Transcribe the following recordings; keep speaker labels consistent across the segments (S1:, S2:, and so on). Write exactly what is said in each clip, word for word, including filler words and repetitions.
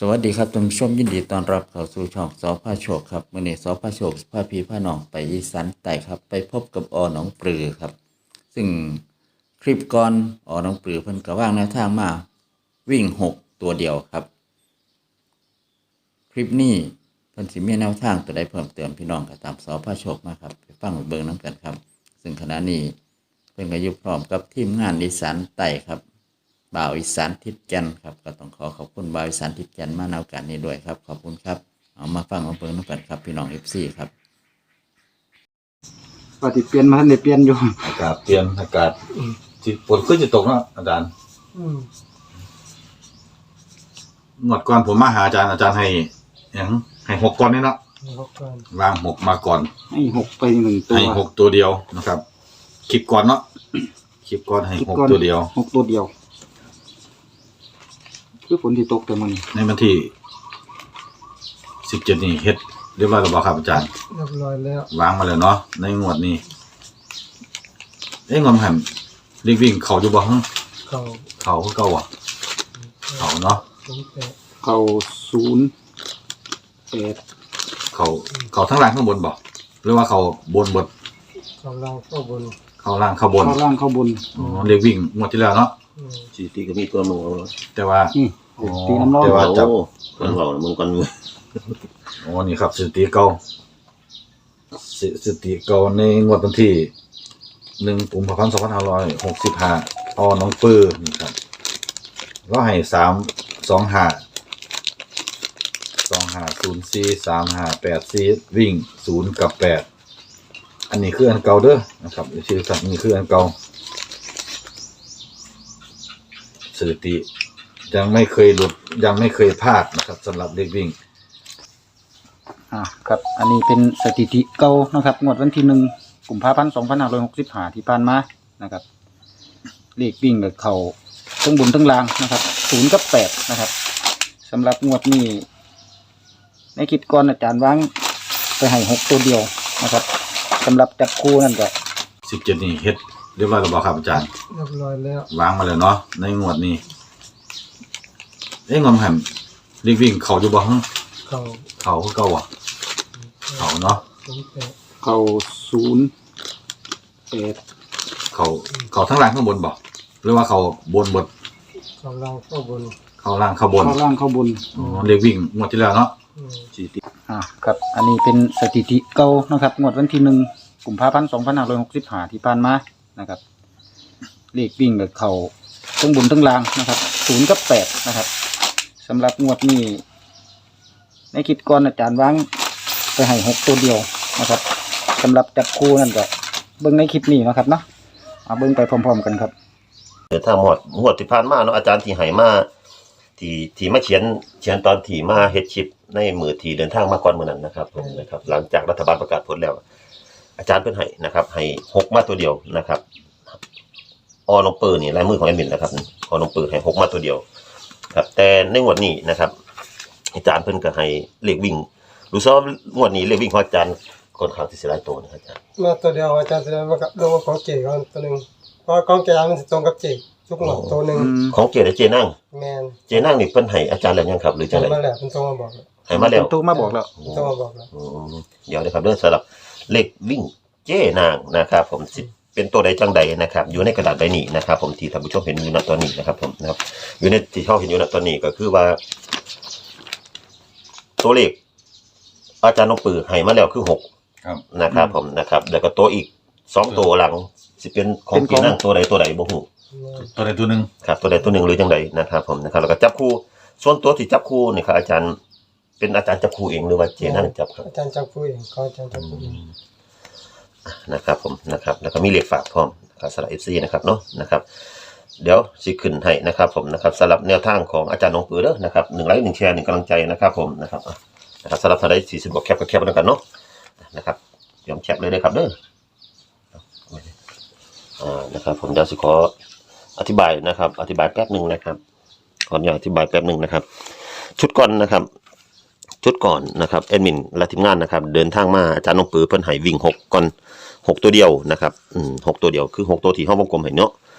S1: สวัสดีครับท่านผู้ชมยินดีต้อนรับเข้าสู่ช่องสพาโชคครับมื้อนี้สพาโชคพาพี่พาน้องไปอีสานใต้ครับไปพบกับอหนองปลือครับ ซึ่งคลิปก่อนอหนองปลือเพิ่นก็วางแนวทางมาวิ่งหกตัวเดียวครับ คลิปนี้เพิ่นสิมีแนวทางตัวใดเพิ่มเติมพี่น้องก็ตามสพาโชคมาครับไปฟังเบิ่งนำกันครับ ซึ่งขณะนี้เพิ่นก็อยู่พร้อมกับทีมงานอีสานใต้ครับบ่าวอีสานทิศแก่นครับก็ต้องขอขอบคุณบ่าวอีสานทิศแก่นมาในโอกาสนี้ด้วยครับขอบคุณครับเอามาฟังมาเบิ่งนำกันครับพี่น้อง เอฟ ซี ครับ
S2: ปฏิเปลี่ยนมาทันได้เปลี่ยนอยู่
S3: อากาศเปลี่ยนอากาศที่ฝนขึ้นจะตกเนาะอาจารย์งวดก่อนผมมาหาอาจารย์อาจารย์ให้อย่างให้หกก่อนนี่เนาะวางหกมาก่อน
S2: ให้หกไปหนึ่งตัว
S3: ให้หกตัวเดียวนะครับคลิปก่อนเนาะคลิปก่อนให้หกตัวเดียว
S2: หกตัวเดียวคือฝนที่ตกแต่มัน
S3: ในวันที่สิบเจ็ดนี่เฮ็ดเรียบร้อยแล้วบ่ครับอาจารย์
S4: เรียบร้อยแล้ว
S3: วางมาแล้วเนาะในงวดนี้เอ้ยงอมหันเรียกวิ่งเขาอยู่บ่ฮะ
S4: เขา
S3: เขาคือเก่าอ่ะเขาเนาะ
S4: สมแปด
S2: เขาศูนย์แปด
S3: เขาเขาทั้งล่างข้างบนบ่หรือว่าเขาบนบน
S4: เขาล่างเข้าบน
S3: เขาล่างเขาบน
S2: เข้าล่างเข้าบน
S3: อ๋อเรียกวิ่งงวดที่แล้วเนาะ
S4: อืม
S5: สี่ตีก็มีตัวมึงเอา
S3: แต่ว่า
S2: นี่
S3: อ๋อ
S2: ตีน้ำร้อน
S3: แต่ว่า จับ
S5: โอ้คนเรามึงกันมือ
S3: อ๋อนี่ครับสถิติเก่าสสถิติเก่าในงวดวันที่หนึ่งกุมภาพันธ์สองพันห้าร้อยหกสิบห้าอน้องปื้อนี่ครับก็ให้สามสองห้าสองห้าศูนย์สี่สามห้าแปดสี่วิ่งศูนย์กับแปดอันนี้คืออันเก่าเด้อนะครับชื่อสัตว์นี่คืออันเก่าสถิติยังไม่เคยหลุดยังไม่เคยพลาดนะครับสำหรับเด็กวิ่ง
S2: อ่าครับ อันนี้เป็นสถิติเก่านะครับงวดวันที่หนึ่งกุมภาพันธ์สองพันห้าร้อยหกสิบห้าที่ผ่านมานะครับเลขวิ่งกับเขาทั้งบนทั้งล่างนะครับศูนย์กับแปดนะครับสำหรับงวดนี้ในคลิปก่อนอาจารย์วางไปให้หกตัวเดียวนะครับสำหรับจับคู่นั่นก็
S3: สิบเจ็ดนี่เฮ็ดเรียบร้อยแล้วบ่ครับอาจารย์
S4: เรียบร้อยแล้ว
S3: วางมาแล้วเนาะในงวดนี้เอ้ยงอมหันเรียกวิ่งเขาอยู่บ่ฮะ
S4: เขา
S3: เขาคือเก่าอ่ะเขาเนาะ
S4: สมแปด
S2: เขาศูนย์แปด
S3: เขาเขาทั้งล่างข้างบนบ่หรือว่าเขาบนบน
S4: เขาล่างเข้าบน
S3: เขาล่างเขาบน
S2: เข้าล่างเข้าบน
S3: อ๋อเรียกวิ่งงวดที่แล้วเนาะ
S4: อืม
S3: สี่ตี
S2: อ่าครับ อันนี้เป็นสถิติเก่านะครับงวดวันที่หนึ่งกุมภาพันธ์สองพันห้าร้อยหกสิบห้าที่ผ่านมานะครับเลขวิ่งกับเขาทั้งบนทั้งล่างนะครับศูนย์กับแปดนะครับสำหรับงวดนี้ในคลิปก่อนอาจารย์วางไปให้หกตัวเดียวนะครับสำหรับจับคู่นั่นก็เบิ้งในคลิปนี้นะครับเนาะเอาเบิ้งไปพร้อมๆกันครับ
S5: เดี๋ยวถ้าหมดหมดที่ผ่านมาเนาะอาจารย์ที่ให้มาที่ที่มาเขียนเขียนตอนที่มาเฮ็ดชิปในมือที่เดินทางมาก่อนมื้อนั้นนะครับผมนะครับ หลังจากรัฐบาลประกาศผลแล้ว อาจารย์เพิ่นให้นะครับให้หกมาตัวเดียวนะครับออน้องปื้อนี่ลายมือของแอดมินนะครับออน้องปื้อให้หกมาตัวเดียวครับแต่ในงวดนี้นะครับ อาจารย์เพิ่นก็ให้เลขวิ่งรู้สึกว่างวดนี้เลขวิ่งของอาจารย์ค่อนข้างที่สิหลายตัวนะครับอาจารย์
S4: มาตัวเดียวอาจารย์แสดงว่ากับลงของเจ๋ก่อนตัวหนึ่งเพราะของแกมันจะตรงกับเจ๋ทุกหมดตัวหนึ่ง
S5: ของเจและเจนั่ง
S4: แมน
S5: เจนั่งนี่เพิ่นให้อาจารย์แล้วยังครับหรือจังได๋
S4: มาแล้วมันตรงมาบอกแล้ว
S5: ให้มาแล้ว
S2: ตัวมาบอกแล้ว
S4: ตรงมาบอกแล้ว
S5: อืมเดี๋ยวนะครับเรื่องสำหรับเลขวิ่งเจนางนะครับผมสิเป็นตัวใดจังใดนะครับอยู่ในกระดาษใบนี้นะครับผมที่ท่านผู้ชมเห็นอยู่ณตอนนี้นะครับผมนะครับอยู่ในที่เขาเห็นอยู่ณตอนนี้ก็คือว่า ตัวเลขอาจารย์นกปือให้มาแล้วคือหก
S3: ครับ
S5: นะครับผมนะครับแล้วก็ตัวอีกสองตัวหลังสิเป็นของเจนางตัวใดตัวใดบ่ฮู้
S3: ตัวใดตัวหนึ่ง
S5: ครับตัวใดตัวหนึ่งหรือจังใดนะครับผมนะครับแล้วก็จับคู่ส่วนตัวที่จับคู่นี่ครับอาจารย์เป็นอาจารย์จับคู่เองหรือว่าเจนั่งจับครับ
S4: อาจารย์จับผู้เองเขาอาจารย์จับผู้เอง
S5: นะครับผมนะครับแล้วก็มีเลขฝากพร้อมนะครับสำหรับ เอฟ ซี นะครับเนาะนะครับเดี๋ยวสิขึ้นให้นะครับผมนะครับสำหรับแนวทางของอาจารย์นงปือเด้อนะครับหนึ่งไลค์หนึ่งแชร์หนึ่งกำลังใจนะครับผมนะครับอ่ะนะครับสำหรับท่านใดสี่สิบบอกแคปก็แคปแล้วกันเนาะนะครับยอมแคปเลยนะครับเด้ออ่านะครับผมเดี๋ยวสิขออธิบายนะครับอธิบายแป๊บหนึ่งนะครับขออนุญาตอธิบายแป๊บหนึ่งนะครับชุดก่อนนะครับชุดก่อนนะครับแอดมินและทีมงานนะครับเดินทางมาอาจารย์นงปือเพิ่นให้วิ่งหกก่อนหกตัวเดียวนะครับอืมหกตัวเดียวคือหกตัวที่ห้องวงกลมเห็นเนาะ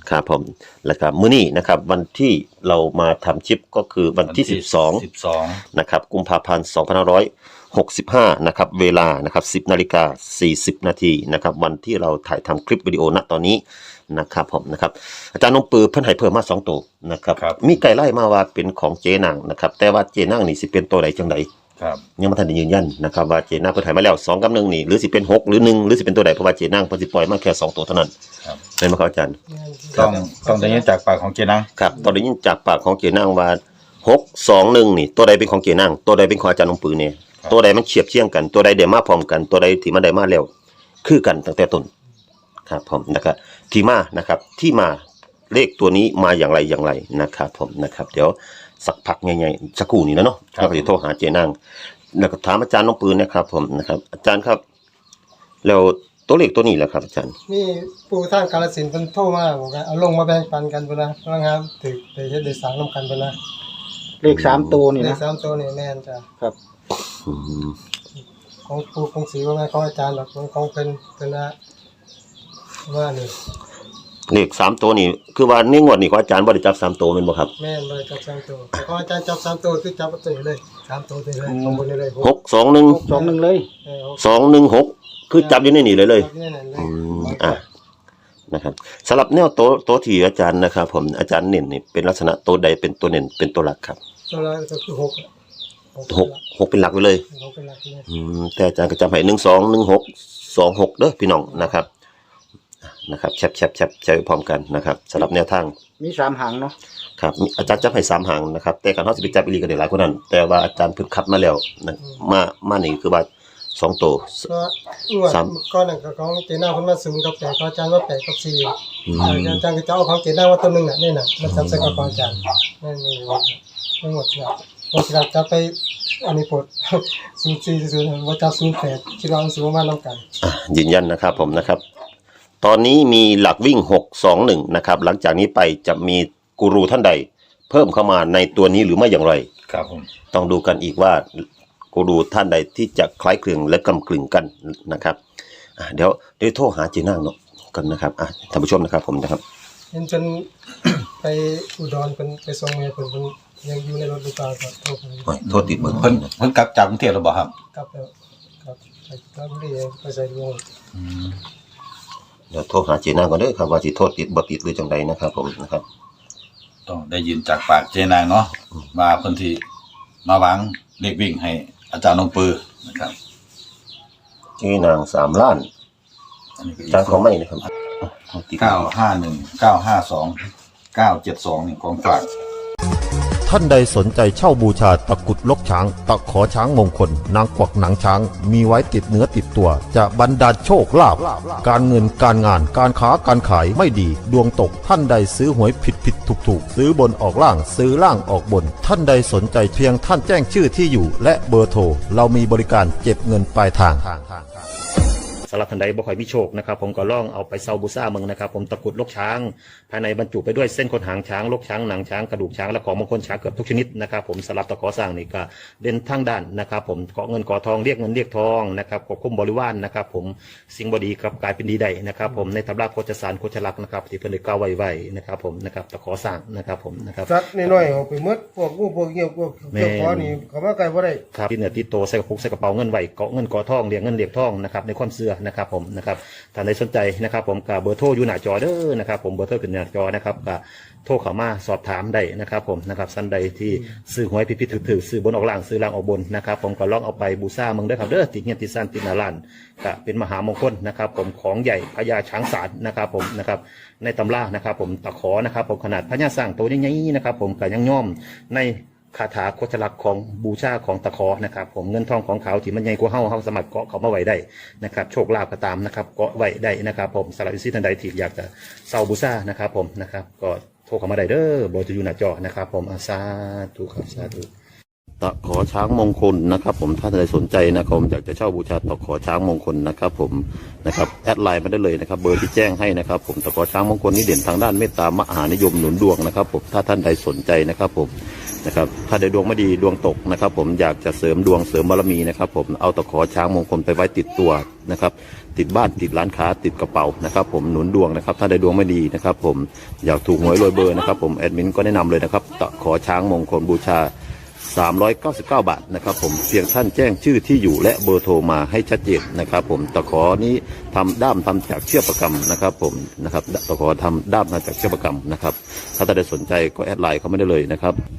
S5: ครับผมแล้วก็มื้อนี้นะครับวันที่เรามาทำคลิปก็คือวันที่สิบสอง
S3: สิบสอง
S5: นะครับกุมภาพันธ์สองพันห้าร้อยหกสิบห้านะครับเวลานะครับสิบนาฬิกาสี่สิบนาทีนะครับวันที่เราถ่ายทำคลิปวิดีโอณตอนนี้นะครับผมนะครับอาจารย์นงปือเพิ่นให้เพิ่มมาสองตัวนะครับมีไก่ไล่มาว่าเป็นของเจนางนะครับแต่ว่าเจนางนี่สิเป็นตัวใดจังใด
S3: ครับ
S5: ยังบ่ทันได้ยืนยันนะครับว่าเจนางเพิ่นให้มาแล้วสองกับหนึ่งนี่หรือสิเป็นหกหรือหนึ่งหรือสิเป็นตัวใดเพราะว่าเจนางเพิ่นสิปล่อยมาแค่สองตัวเท่านั้น
S3: ครับ
S5: เห็นบ่ครับอาจารย์
S3: ต้องต้องได้ยินจากปากของเจนัง
S5: ครับตอนได้ยินจากปากของเจนางว่าหก สอง หนึ่งนี่ตัวใดเป็นของเจนางตัวใดเป็นของอาจารย์นงปือเนี่ยตัวใดมันเฉียบเชียงกันตัวใดได้มาพร้อมกันตัวใดที่มันได้มาแล้วคือกันตั้งแต่ต้นครับผมนะครับที่มานะครับที่มาเลขตัวนี้มาอย่างไรอย่างไรนะครับผมนะครับเดี๋ยวสักพักใหญ่ๆสักครู่นี้นะเนาะเราก็จะโทรหาเจนางแล้วก็ถามอาจารย์นงปืนนะครับผมนะครับอาจารย์ครับแล้วตัวเลขตัวนี้แหละครับอาจารย์
S4: นี่ปู่ทางกาฬสินธุ์เพิ่นโทรมาบอกว่าเอาลงมาแบ่งปันกันพุ่นนะพลังงานถึกได้เฮ็ดได้สร้างนํกันพุ่นนะ
S2: เลขสามตัวนี่
S4: เล
S2: นะ
S4: ขสามตัวนี่แม่นจ้ะ
S2: ครับ
S5: อืม
S4: ของปู่ของศรีว่าไงของอาจารย์หรอกของของเพิ่นเพิ่นนะว่านี่
S5: เลขสามตัวนี่คือว่าในงวดนี้ของอาจารย์บ่ได้จับสามตัวแม่นบ่ครับ
S4: แม่นเลยจับสามตัวแต่ของอาจารย์จับสามตัวคือจับตัวนี้เลยสามตัวนี้เลยข้างบนนี่เลย
S5: หก สอง หนึ่ง
S2: สองหนึ่งเลย
S4: เออ
S5: สอง หนึ่ง หกคือจับอยู่ในนี่เลยเลย
S4: จับนี่นั่นเลย
S5: อืมอ่ะนะครับสำหรับแนวโต๊ะโต๊ะที่อาจารย์นะครับผมอาจารย์เน้นนี่เป็นลักษณะโต๊ะใดเป็นตัวเน้นเป็นตัวหลักครับ
S4: ตัวละก็คือหกอะ
S5: หกหกเป็นหลักไว้เลย
S4: หกเป็นหลักเลย
S5: อืมแต่อาจารย์ก็จำให้หนึ่งสองหนึ่งหกสองหกเด้อพี่น้องนะครับนะครับแชบแชบแชบใช้พร้อมกันนะครับสำหรับแนวทาง
S2: มีสามหางเนาะ
S5: ครับอาจารย์จับให้สามหางนะครับแต่การเขาจะไปจับอีหลีก็ได้หลายคนนั้นแต่ว่าอาจารย์เพิ่งคัดมาแล้วนะมามานี่คือว่าสองตัว
S4: ก็งวด
S5: สาม
S4: ก้อนนั่นก็ของเจน่าเพิ่นมาศูนย์กับแปดของอาจารย์ว่าแปดกับสี่
S5: อืม
S4: อาจารย์ก็จะเอาของเจน่าว่าตัวหนึงน่ะนี่น่ะมันจำใส่กับของอาจารย์นั่นนี่ว่าทั้งหมดน่ะบ่สิจะไปอันนี้ปลด ศูนย์สี่ศูนย์ว่าจะศูนย์แปดคิดว่ามันสิบ่มานำกัน
S5: อ่ะยืนยันนะครับผมนะครับ ตอนนี้มีหลักวิ่งหก สอง หนึ่งนะครับหลังจากนี้ไปจะมีกูรูท่านใด เพิ่มเข้ามาในตัวนี้หรือไม่อย่างไร
S3: ครับผม
S5: ต้องดูกันอีกว่ากูรูท่านใดที่จะคล้ายคลึงและกำกลึงกันนะครับอ่ะเดี๋ยวเดี๋ยวโทรหาเจนางเนาะกันนะครับอ่ะท่านผู้ชมนะครับผมนะครับ
S4: เห็นจน ไปอุดรเพิ่นไปส่งแม่เพิ่นเพิ่นยังอยู่ในรถหรือเปล่าก็โทรไป
S5: โอ้ยโทษติดเบอร์
S3: เพิ่นเพิ่นกลับจากกรุงเทพแล้วบ่ครับ
S4: กลับแล้วครับไปกลับที่ไปใส่ดวง
S5: เดี๋ยวโทรหาเจนางก่อนเด้อครับว่าสิโทษติดบ่ติดหรือจังใดนะครับผมนะครับ
S3: ต้องได้ยินจากปากเจนางเนาะว่าเพิ่นที่มาวางเลขวิ่งให้อาจารย์นงปือนะครับ
S5: เจนางสามล้าน
S3: อันนี้ก็อีก
S5: จานของไม่นะครับอ่ะติด
S3: เก้าห้าหนึ่ง เก้าห้าสอง เก้าเจ็ดสองนี่ของฝาก
S6: ท่านใดสนใจเช่าบูชาตะกรุดลกช้าง ตะขอช้างมงคล นางกวักหนังช้าง มีไว้ติดเนื้อติดตัว จะบรรดาลโชคลาภการเงินการงานการค้าการขายไม่ดี ดวงตกท่านใดซื้อหวยผิดผิดถูกถูกซื้อบนออกล่างซื้อล่างออกบน ท่านใดสนใจเพียงท่านแจ้งชื่อที่อยู่ และเบอร์โทรเรามีบริการเก็บเงินปลายทาง
S7: สำหรับท่านใดบ่ค่อยมีโชคนะครับผมก็ลองเอาไปเซาบูซ่าเมืองนะครับผมตะกรุดลกช้าง ภายในบรรจุไปด้วยเส้นขนหางช้างลกช้างหนังช้างกระดูกช้างและของมงคลช้างเกือบทุกชนิดนะครับผมสำหรับตะขอสร้างนี่ก็เด่นทั้งด้านนะครับผมเกาะเงินเกาะทองเรียกเงินเรียกทองนะครับควบคุมบริวารนะครับผมสิ่งบดีกลับกลายเป็นดีได้นะครับผมในตำราโคจสารโคจลักษณ์นะครับที่เพิ่นได้กล่าวไว้ๆนะครับผมนะครับตะขอสร้างนะครับผมนะครับ
S4: สัตว์น้อยๆเอาไปหมดพวกงูพวกเหี้ยวพวกเจ้าของนี่เขามาไกลบ่ได้
S7: ครับที่เหนือติดโตใส่กระปุกใส่กระเป๋าเงินไหวเกาะเงินเกาะทองเรียกเงินเรียกทองนะครับในความเชื่อนะครับผมนะครับท่านใดสนใจนะครับผมกับเบอร์โทรอยู่หน้าจอเด้อนะครับผมเบอร์โทรขึ้นหน้าจอนะครับกับโทรเข้ามาสอบถามได้นะครับผมนะครับท่านใดที่ซื้อหวยผิดๆถือๆซื้อบนออกล่างซื้อล่างออกบนนะครับผมก็ลองเอาไปบูชาเมืองเด้อครับเด้อติดเงียบติดสั้นติดหนาล้านก็เป็นมหามงคลนะครับผมของใหญ่พญาช้างศาลนะครับผมนะครับในตำรานะครับผมตะขอนะครับผมขนาดพญาสร้างตัวใหญ่ๆนะครับผมก็ยังย่อมในคาถาโคชลักษณ์ของบูชาของตะขอนะครับผมเงินทองของเขาที่มันใหญ่กว่าเฮาเฮาสามารถเกาะเขามาไว้ได้นะครับโชคลาภก็ตามนะครับเกาะไว้ได้นะครับผมสำหรับอินซีท่านใดที่อยากจะเซาบูชานะครับผมนะครับก็โทรเข้ามาได้เด้อเบอร์จะอยู่หน้าจอนะครับผมอาสาธุครับสาธุตะขอช้างมงคลนะครับผมถ้าท่านใดสนใจนะครับผมอยากจะเช่าบูชาตะขอช้างมงคลนะครับผมนะครับแอดไลน์มาได้เลยนะครับเบอร์ที่แจ้งให้นะครับผมตะขอช้างมงคลนี้เด่นทางด้านเมตตามหานิยมหนุนดวงนะครับผมถ้าท่านใดสนใจนะครับผมนะครับถ้าใดดวงไม่ดีดวงตกนะครับผมอยากจะเสริมดวงเสริมบารมีนะครับผมเอาตะขอช้างมงคลไปไว้ติดตัวนะครับติดบ้านติดร้านค้าติดกระเป๋านะครับผมหนุนดวงนะครับถ้าใดดวงไม่ดีนะครับผมอยากถูกหวยรวยเบอร์นะครับผมแอดมินก็แนะนำเลยนะครับตะขอช้างมงคลบูชาสามร้อยเก้าสิบเก้าบาทนะครับผมเพียงท่านแจ้งชื่อที่อยู่และเบอร์โทรมาให้ชัดเจนนะครับผมตะขอนี้ทำด้ามทำจากเชือกประกำนะครับผมนะครับตะขอทำด้ามมาจากเชือกประกำนะครับถ้าท่านใดสนใจก็แอดไลน์เข้ามาได้เลยนะครับ